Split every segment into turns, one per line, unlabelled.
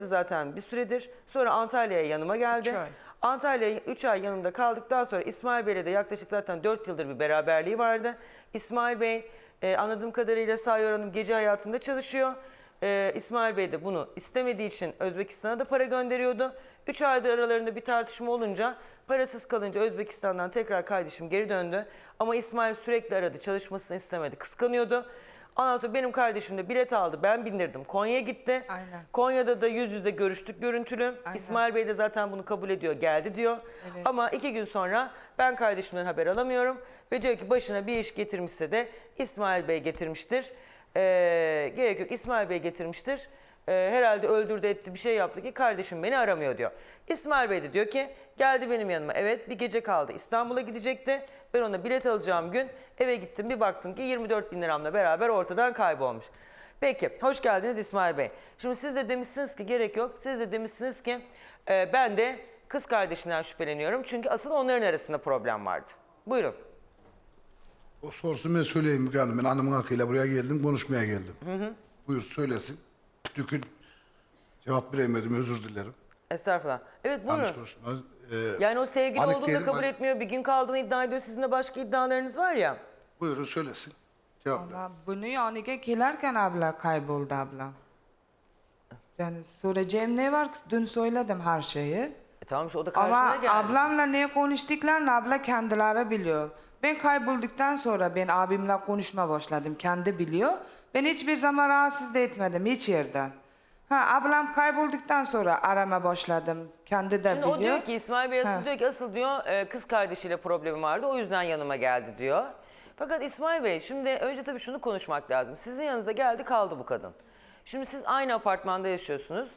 zaten bir süredir. Sonra Antalya'ya yanıma geldi.
3 ay.
Antalya'ya 3 ay yanımda kaldıktan sonra İsmail Bey'le de yaklaşık zaten 4 yıldır bir beraberliği vardı. İsmail Bey anladığım kadarıyla Sayyor Hanım gece hayatında çalışıyor. İsmail Bey de bunu istemediği için Özbekistan'a da para gönderiyordu. 3 aydır aralarında bir tartışma olunca, parasız kalınca Özbekistan'dan tekrar kardeşim geri döndü. Ama İsmail sürekli aradı, çalışmasını istemedi, kıskanıyordu. Ondan sonra benim kardeşim de bilet aldı, ben bindirdim. Konya'ya gitti.
Aynen.
Konya'da da yüz yüze görüştük görüntülü.
Aynen.
İsmail Bey de zaten bunu kabul ediyor, geldi diyor.
Evet.
Ama 2 gün sonra ben kardeşimden haber alamıyorum. Ve diyor ki başına bir iş getirmişse de İsmail Bey getirmiştir. Gerek yok, İsmail Bey getirmiştir. Herhalde öldürdü etti bir şey yaptı ki kardeşim beni aramıyor diyor. İsmail Bey de diyor ki geldi benim yanıma, evet bir gece kaldı, İstanbul'a gidecekti. Ben ona bilet alacağım gün eve gittim, bir baktım ki 24 bin liramla beraber ortadan kaybolmuş. Peki, hoş geldiniz İsmail Bey. Şimdi siz de demişsiniz ki gerek yok, siz de demişsiniz ki ben de kız kardeşinden şüpheleniyorum. Çünkü asıl onların arasında problem vardı. Buyurun.
O sorsun ben söyleyeyim Müge Hanım. Ben hanımın hakkıyla buraya geldim, konuşmaya geldim. Buyur söylesin. Dükün cevap veremedim, özür dilerim.
Estağfurullah. Evet
Yanlış
buyurun.
konuşma.
Yani o sevgili
Hanik
olduğunu da
diyelim,
kabul
hani-
etmiyor. Bir gün kaldığını iddia ediyor. Sizin de başka iddialarınız var ya.
Buyurun söylesin. Cevap ver.
Ama bunu yanıga gelirken abla kayboldu abla. Yani söyleyeceğim ne var? Dün söyledim her şeyi.
Tamam işte o da karşına
Ama
geldi.
ablamla ne konuştuklarını abla kendileri biliyor. Ben kaybolduktan sonra ben abimle konuşma başladım. Kendi biliyor. Ben hiçbir zaman rahatsız da etmedim hiç yerden. Ablam kaybolduktan sonra arama başladım. Kendi de
Şimdi
biliyor.
o diyor ki İsmail Bey asıl
Ha.
diyor ki asıl diyor kız kardeşiyle problemi vardı. O yüzden yanıma geldi diyor. Fakat İsmail Bey şimdi önce tabii şunu konuşmak lazım. Sizin yanınıza geldi kaldı bu kadın. Şimdi siz aynı apartmanda yaşıyorsunuz.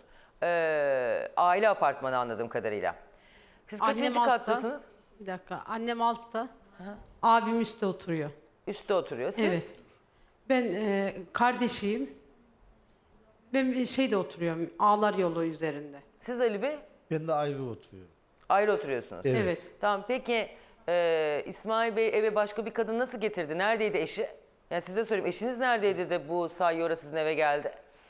Aile apartmanı anladığım kadarıyla. Siz kaçıncı
altta.
kattasınız?
Bir dakika. Annem altta. Abim üstte oturuyor.
Üstte oturuyor. Siz?
Evet. Ben kardeşiyim. Ben bir şeyde oturuyorum. Ağlar yolu üzerinde.
Siz Ali Bey?
Ben de ayrı oturuyorum.
Ayrı oturuyorsunuz.
Evet.
Tamam peki İsmail Bey eve başka bir kadın nasıl getirdi? Neredeydi eşi? Yani size sorayım, eşiniz neredeydi de bu Sayyora sizin eve geldi?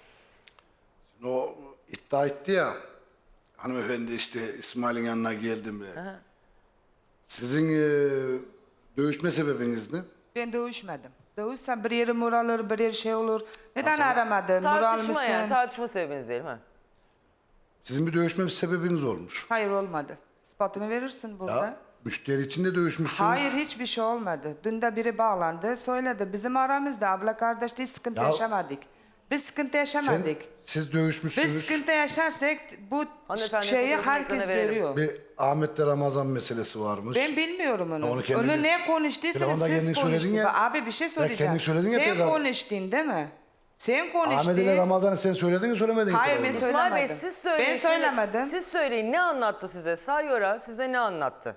O iddia etti ya. Hanımefendi işte İsmail'in yanına geldim diye. Sizin dövüşme sebebiniz ne?
Ben dövüşmedim. Dövüşsem bir yerim olur, bir yer şey olur. Neden
Aslında-
aramadın? Moral
Tartışma
mısın?
yani, tartışma sebebiniz değil mi?
Sizin bir dövüşme sebebiniz olmuş.
Hayır olmadı. İspatını verirsin burada.
Ya müşteri için de dövüşmüşsünüz.
Hayır hiçbir şey olmadı. Dün de biri bağlandı söyledi. Bizim aramızda abla kardeş hiç sıkıntı
Ya-
yaşamadık. Biz sıkıntı yaşamadık.
Siz dövüşmüşsünüz.
Biz sıkıntı yaşarsak bu
Hanımefendi,
şeyi
fotoğrafını
herkes
ekrana verelim.
görüyor.
Bir Ahmet'le Ramazan meselesi varmış.
Ben bilmiyorum onu.
Onu kendi-
Onu ne konuştuysanız
Telefonda
siz
kendin söyledin
konuştunuz.
ya.
Abi bir şey söyleyeceğim.
kendin söyledin ya
Sen
tekrar.
konuştun değil mi? Sen konuştun.
Ahmet ile Ramazan'ı sen söyledin mi söylemedin mi?
Hayır,
telefonda?
ben
İsmail Bey
söylemedim.
siz söyleyin.
Ben söylemedim.
Siz söyleyin, ne anlattı size? Sayyora size ne anlattı?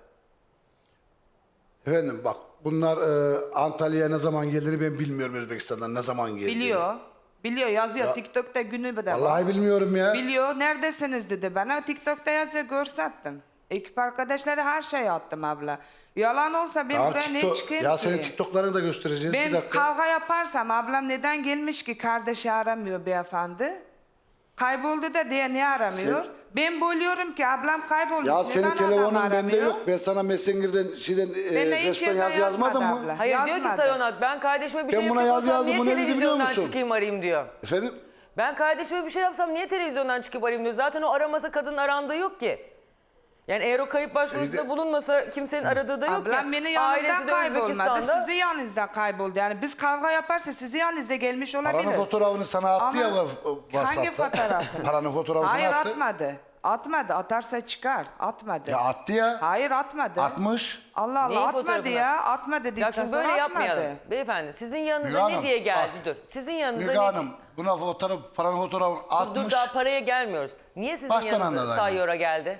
Efendim bak bunlar Antalya'ya ne zaman geldiğini ben bilmiyorum, Özbekistan'dan ne zaman geldiğini.
Biliyor. Biliyor yazıyor.
Ya-
TikTok'ta günü bir de var.
Vallahi bilmiyorum ya.
Biliyor. Neredesiniz dedi bana. TikTok'ta yazıyor görsattım. Ekip arkadaşları her şeyi attım abla. Yalan olsa ben
Tamam,
buraya ne çıkayım
ya
ki?
senin TikTok'larını da göstereceğiz. Bir
Ben
dakika.
kavga yaparsam ablam neden gelmiş ki kardeşi aramıyor beyefendi? Kayboldu da diye niye aramıyor? Ben bölüyorum ki ablam kaybolmuş.
Ya
neden
senin
adam
telefonun bende
aramıyor?
yok. Ben sana Messenger'den
Ben de hiç
resmen
yerden
yazı yazmadım
yazmadı
mı?
abla.
Hayır diyor ki
Yazmadı.
Sayonat ben kardeşime bir
Ben
şey
buna
yapıyorsam
yazdım,
niye
bu ne dedi biliyor
televizyondan
musun?
çıkayım arayayım diyor.
Efendim?
Ben kardeşime bir şey yapsam niye televizyondan çıkıp arayayım diyor. Zaten o aramasa kadının arandığı yok ki. Yani eğer o kayıp başvurusunda
İşte-
bulunmasa kimsenin aradığı da yok ki.
Ablam beni yanımda
Ailesi de
kaybolmadı.
Özbekistan'da.
Sizi yanınızda kayboldu. Yani biz kavga yaparsa sizi yanınıza gelmiş olabilir.
Paranın fotoğrafını sana attı
Ama
ya WhatsApp'ta.
hangi fotoğrafını?
Paranın fotoğrafını
Hayır
attı.
atmadı. Atmadı. Atarsa çıkar. Atmadı.
Ya attı ya.
Hayır atmadı.
Atmış.
Allah Allah
Neyin
atmadı
fotoğrafını?
ya. Atma
Ya
dedikten
şimdi
sonra
böyle
atmadı.
yapmayalım. Beyefendi sizin yanınıza
Müge
ne
Hanım,
diye geldi?
bak.
Dur. Sizin yanınıza
Müge
ne?
Hanım buna paranın fotoğrafını atmış.
Dur daha paraya gelmiyoruz. Niye sizin
Baştan
yanınıza
anladı
Sayyora geldi?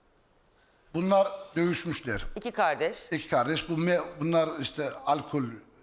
Bunlar dövüşmüşler.
İki kardeş.
İki kardeş. Bunlar işte alkol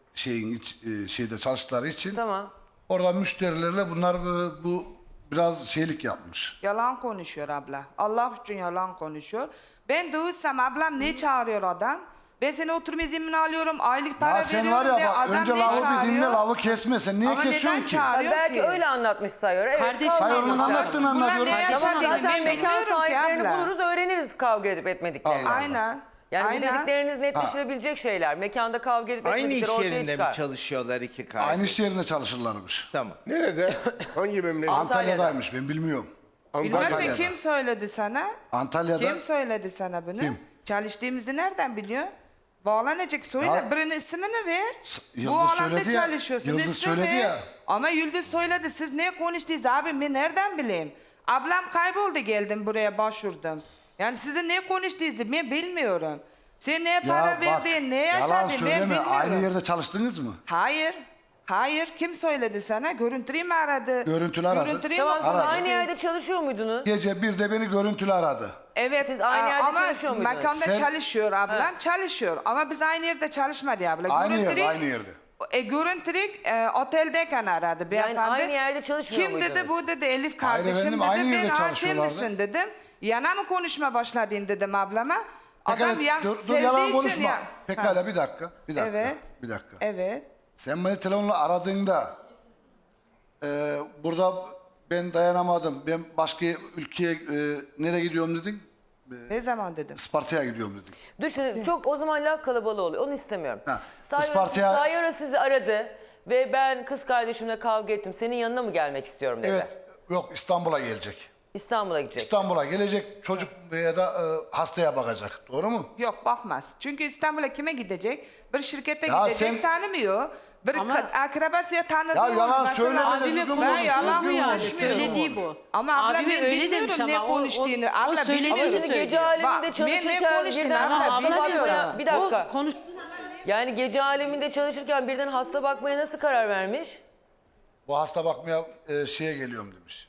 şeyde çalıştıkları için.
Tamam.
Orada müşterilerle bunlar bu biraz şeylik yapmış.
Yalan konuşuyor abla. Allah için yalan konuşuyor. Ben dövüşsem ablam ne çağırıyor adam? Ben seni oturum iznini alıyorum, aylık para
Ya sen
veriyorum
var
diye
ya bak
adam
önce
niye
lavı bir dinle,
çağırıyor?
lavı kesme. Sen niye
Ama neden
kesiyorsun ki?
çağırıyor
Belki
ki?
öyle anlatmış Sayıyor. Evet,
Kardeş-
kavga
Sayıyor'un
etmişler.
anlattığını
Bunlar
anlatıyorum.
ne
Tamam
yaşadığını
zaten
bilmiyorum
mekan
ki
sahiplerini
abla.
buluruz, öğreniriz kavga edip etmediklerini.
Allah.
Aynen.
Yani bu
Aynen.
dedikleriniz netleşilebilecek şeyler. Mekanda kavga edip
Aynı
etmedikleri
iş
ortaya
yerinde
çıkar.
mi çalışıyorlar iki kardeş?
Aynı iş yerinde çalışırlarmış.
Tamam.
Nerede? Hangi memleket?
Antalya'daymış ben bilmiyorum.
Bilmezsen
Antalya'da.
kim söyledi sana?
Antalya'da.
Kim söyledi sana bunu?
Kim?
Çalıştığımızı nereden biliyor? Bağlanacak söyle.
Ya-
Birinin ismini ver.
Yıldız
Bu alanda
söyledi ya,
çalışıyorsun.
Yıldız
ismi
söyledi
ver.
ya.
Ama Yıldız söyledi. Siz ne konuştunuz abi? Ben nereden bileyim? Ablam kayboldu geldim buraya başvurdum. Yani sizin ne konuştuğunuzu ben bilmiyorum. Sen ne para
Ya bak
verdin, ne
yalan
yaşadın ben
söyleme.
bilmiyorum.
Aynı yerde çalıştınız mı?
Hayır. Hayır. Kim söyledi sana? Görüntülü mü aradı?
Görüntülü aradı.
Görüntülü
Tamam
mü
siz
Aradı.
aynı yerde çalışıyor muydunuz?
Gece bir de beni görüntülü aradı.
Evet.
Siz aynı yerde
ama
çalışıyor muydunuz?
mekanda
Sen-
çalışıyor ablam. Çalışıyor. Ama biz aynı yerde çalışmadı abla.
Aynı yerde,
Görüntülü-
aynı yerde.
Görüntülü oteldeyken aradı beyefendi.
aynı yerde çalışmıyor
Kim dedi
muydunuz?
bu dedi Elif kardeşim
efendim,
dedi.
aynı yerde
Ben sen
çalışıyorlardı."
misin dedim. Yana mı konuşma başladın dedim ablama. Adam
Pekala,
ya
dur
sevdiği
yalan
için
konuşma.
ya. Ha,
Pekala bir dakika. Bir dakika.
Evet.
Bir dakika.
Evet.
Sen beni telefonla aradığında burada ben dayanamadım. Ben başka ülkeye nereye gidiyorum dedin?
Ne zaman dedim?
Isparta'ya gidiyorum dedin.
Dur şimdi çok o zaman laf kalabalığı oluyor. Onu istemiyorum.
Ha,
Sayora
Isparta'ya-
sizi aradı ve ben kız kardeşimle kavga ettim. Senin yanına mı gelmek istiyorum dedi.
Evet. Yok İstanbul'a gelecek.
İstanbul'a gidecek.
İstanbul'a gelecek çocuk ya da hastaya bakacak. Doğru mu?
Yok bakmaz. Çünkü İstanbul'a kime gidecek? Bir şirkete
Ya
gidecek
sen-
tanımıyor. Bir
Ama-
akrabası tanıdığı
Ya yalan
mesela-
söyleme de
Abime
düzgün
konuştunuz
konuş,
yalan
mu
düzgün
yani?
konuş, düzgün
Söylediği
konuş.
bu.
Ama abla
Abime
ben
öyle
bilmiyorum
demiş
ne
ama
konuştuğunu.
o
Abla
söylediği
Ama şimdi
söylüyor.
gece
Bak,
aleminde
ben ne
çalışırken
konuştun
birden
abla,
hasta
biliyorum.
bakmaya... Bir dakika.
O konuş...
Yani gece aleminde çalışırken birden hasta bakmaya nasıl karar vermiş?
Bu hasta bakmaya şeye geliyorum demiş.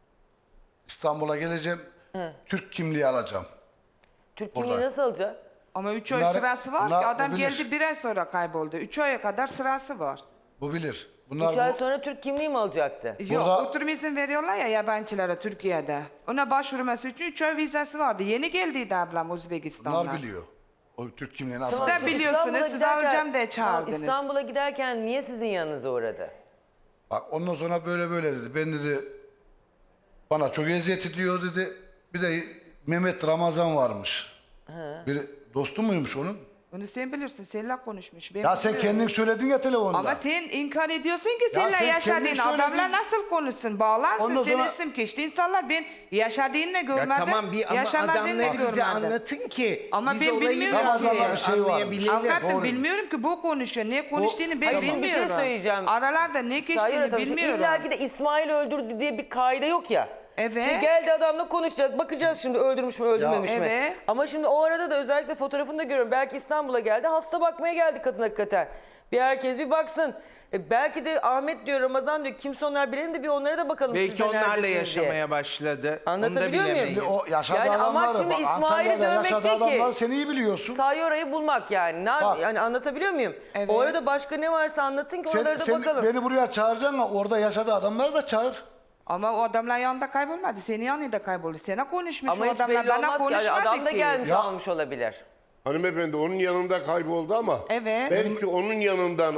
İstanbul'a geleceğim. Türk kimliği alacağım.
Türk kimliği
Orada.
nasıl alacak?
Ama 3 ay
Bunlar-
sırası var ki
bunlar
adam
bilir.
geldi 1 ay sonra kayboldu. 3 aya kadar sırası var.
Bu bilir. Bunlar
3 ay
bu,
sonra Türk kimliği mi alacaktı?
Yok
Burada-
oturum izin veriyorlar ya yabancılara Türkiye'de. Ona başvurması için 3 ay vizesi vardı. Yeni geldiydi ablam Özbekistan'dan.
bunlar biliyor. O Türk kimliğini
Siz
asla.
de biliyorsunuz,
İstanbul'a
siz
giderken-
alacağım diye
Tamam,
çağırdınız.
İstanbul'a giderken niye sizin yanınıza uğradı?
Bak ondan sonra böyle böyle dedi. Ben dedi bana çok eziyet ediyor dedi. Bir de Mehmet Ramazan varmış. Bir dostu muymuş onun?
Onu sen bilirsin. Seninle konuşmuş. Ben
Ya sen
biliyorum.
kendin söyledin ya telefonda.
Ama sen inkar ediyorsun ki
sen
seninle
kendin
yaşadığın
söyledin.
adamla nasıl konuşsun? Bağlansın
Ondan
senin
sonra-
isim geçti. İnsanlar ben yaşadığını görmedim.
Ya tamam bir ama
yaşamadığını
adamları bize
görmedim.
anlatın ki
Ama
biz
ben
olayı
bilmiyorum
biraz
ki.
Ramazan'da bir şey varmış.
anlayabilelim.
Avukatım
Doğru.
bilmiyorum ki bu konuşuyor. Ne konuştuğunu ben
Hayır, şimdi bir şey
bilmiyorum.
söyleyeceğim.
Aralarda ne
Sayın
geçtiğini
Atam,
bilmiyorum.
İlla ki de İsmail öldürdü diye bir kaide yok ya.
Evet.
Şimdi geldi adamla konuşacağız. Bakacağız şimdi öldürmüş mü öldürmemiş mi?
evet.
Ama şimdi o arada da özellikle fotoğrafını da görüyorum. Belki İstanbul'a geldi. Hasta bakmaya geldi kadın hakikaten. Bir herkes bir baksın. Belki de Ahmet diyor, Ramazan diyor. Kimse onlar bilelim de bir onlara da bakalım.
Belki
siz de
onlarla
neredesiniz diye.
yaşamaya başladı.
Anlatabiliyor
Onu da
muyum?
bilemeyiz.
Şimdi o yaşadığı
Yani amaç
adamları,
şimdi
bak,
İsmail'i
Antalya'da
dövmek
yaşadığı
değil ki.
adamları sen iyi biliyorsun.
Sayyora'yı bulmak yani.
Bak.
Yani anlatabiliyor muyum?
Evet.
O arada başka ne varsa anlatın ki oraları da
Sen
bakalım.
beni buraya çağıracaksın ama orada yaşadığı adamları da çağır.
Ama o adamlar yanında kaybolmadı. Senin yanında kayboldu. Sana konuşmuş
Ama
o
hiç
adamlar.
belli
Bana
olmaz ki.
konuşmadı
Yani adam da
ki.
gelmiş
Ya-
almış olabilir.
Hanımefendi onun yanında kayboldu ama
Evet.
belki onun yanından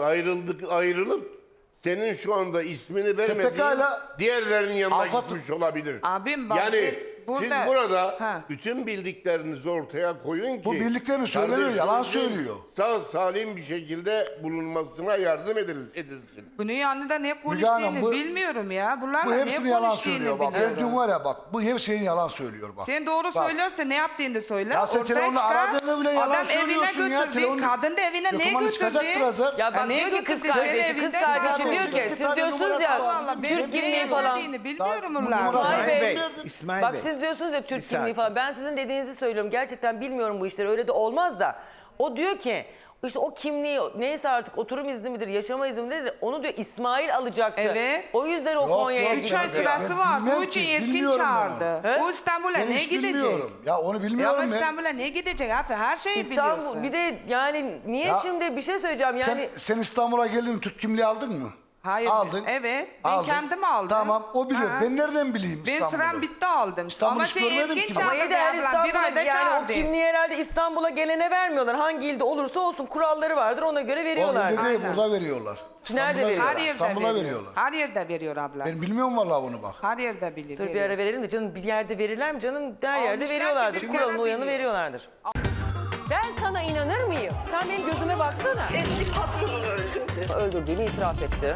ayrılıp senin şu anda ismini vermediğin
pekala-
diğerlerinin yanına
Avukat-
gitmiş olabilir.
Abim bak,
yani
burada-
siz burada
Ha.
bütün bildiklerinizi ortaya koyun ki
Bu bildiklerini söylemiyor,
kardeşinizin
yalan söylüyor.
Sağ salim bir şekilde bulunmasına yardım edilsin.
Bunun yanında ne
Hanım,
konuştuğunu
bu-
bilmiyorum ya. Bunlarla
Bu
ne
hepsini yalan
konuştuğunu
söylüyor bak. Ben
bilmiyorum.
dün var ya bak bu her şeyin yalan söylüyor bak.
Sen doğru
Bak,
söylüyorsa ne yaptığını söyle.
Ya sen
Ortaya
telefonla
çıkar.
aradığını bile yalan
Adam
söylüyorsun
evine
ya.
götürdü.
Telefonla-
Kadın da evine ne
Dokumanı
götürdü?
çıkacaktır Hazar.
Ya bak
neye
diyor ki kız
götürdü? Seni
kardeşi, kız
evinden
kardeşi
çıkardı.
diyor ki
Bir
siz
tane
diyorsunuz
numarası
ya
var.
Ben
Türk
ne
kimliği falan.
yaşadığını bilmiyorum
Daha-
bunlar.
numarası-
İsmail Bey,
İsmail
bak
Bey.
siz diyorsunuz ya Türk
Bir
kimliği
sakin.
falan. Ben sizin dediğinizi söylüyorum. Gerçekten bilmiyorum bu işleri. Öyle de olmaz da. O diyor ki işte o kimliği neyse artık oturum izni midir, yaşama izni midir onu diyor İsmail alacaktı.
Evet.
O yüzden o
Yok,
Konya'ya
yok,
3 ay
gitti.
Ben
sırası var.
bilmem
Bu için
ki,
Erkin
bilmiyorum ben
çağırdı.
onu.
O İstanbul'a
Ben
ne
hiç
gidecek?
bilmiyorum. Ya onu
Ya
bilmiyorum
ama
ben.
İstanbul'a ne gidecek abi? Her şeyi
İstanbul
biliyorsun.
bir de yani niye
Ya-
şimdi bir şey söyleyeceğim yani
Sen İstanbul'a geldin Türk kimliği aldın mı?
Hayır.
Aldın.
Evet. Ben
aldın.
kendim aldım.
Tamam o biliyor.
Ha.
Ben nereden bileyim
Ben
İstanbul'u?
sıram bitti aldım.
İstanbul'u
Ama
hiç
sen
görmedim
erken
ki ben.
çağırdın
Ama yeter
ablam. Bir
İstanbul'a
ayda
yani o
çağırdın.
kimliği herhalde İstanbul'a gelene vermiyorlar. Hangi ilde olursa olsun kuralları vardır ona göre
O
veriyorlar.
ilde değil,
Aynen.
burada veriyorlar.
Nerede
İstanbul'a
veriyorlar?
Her yerde
İstanbul'a
veriyor.
veriyorlar.
Her yerde veriyor abla.
Ben bilmiyorum vallahi onu bak.
Her yerde biliyor.
Dur bir ara verelim de canım bir yerde verirler mi canım? Her yerde
Almışlar
veriyorlardır.
ki bir
Kuralına
kere
uyanı
biliyor.
veriyorlardır. Ben sana inanır mıyım? Sen benim gözüme baksana.
Eski patronunu öldürdü.
Öldürdüğünü itiraf etti.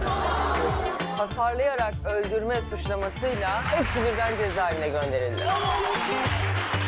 Hasarlayarak öldürme suçlamasıyla hepsi birden cezaevine gönderildi.